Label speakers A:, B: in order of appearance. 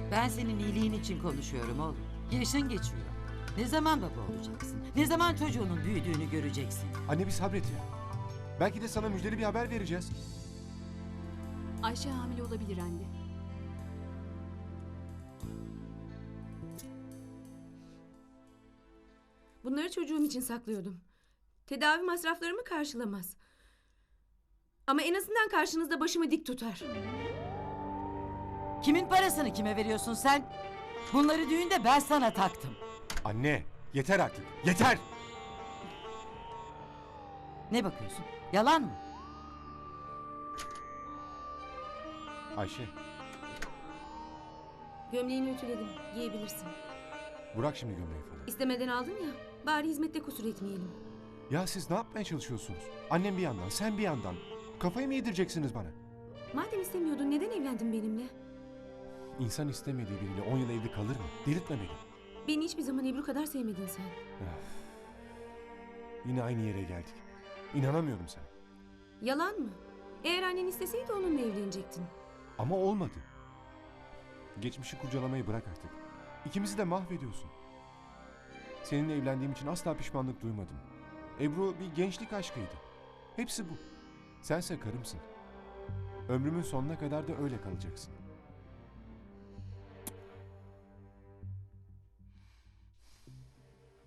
A: Ben senin iyiliğin için konuşuyorum oğlum. Yaşın geçiyor. Ne zaman baba olacaksın? Ne zaman çocuğunun büyüdüğünü göreceksin?
B: Anne bir sabret ya. Belki de sana müjdeli bir haber vereceğiz.
C: Ayşe hamile olabilir anne. Bunları çocuğum için saklıyordum. Tedavi masraflarımı karşılamaz. Ama en azından karşınızda başımı dik tutar.
A: Kimin parasını kime veriyorsun sen? Bunları düğünde ben sana taktım.
B: Anne yeter artık. Yeter!
A: Ne bakıyorsun? Yalan mı?
B: Ayşe
C: Gömleğini ütüledim. Giyebilirsin.
B: bırak şimdi gömleği falan.
C: İstemeden aldın ya. Bari hizmette kusur etmeyelim.
B: Ya siz ne yapmaya çalışıyorsunuz? Annem bir yandan sen bir yandan. Kafayı mı yedireceksiniz bana?
C: Madem istemiyordun neden evlendin benimle?
B: İnsan istemediği biriyle 10 yıl evli kalır mı? Delirtme beni.
C: Beni hiçbir zaman Ebru kadar sevmedin sen.
B: Yine aynı yere geldik. İnanamıyorum sana.
C: Yalan mı? Eğer annen isteseydi onunla evlenecektin.
B: Ama olmadı. Geçmişi kurcalamayı bırak artık. İkimizi de mahvediyorsun. Seninle evlendiğim için asla pişmanlık duymadım. Ebru bir gençlik aşkıydı. Hepsi bu. Sense karımsın. Ömrümün sonuna kadar da öyle kalacaksın.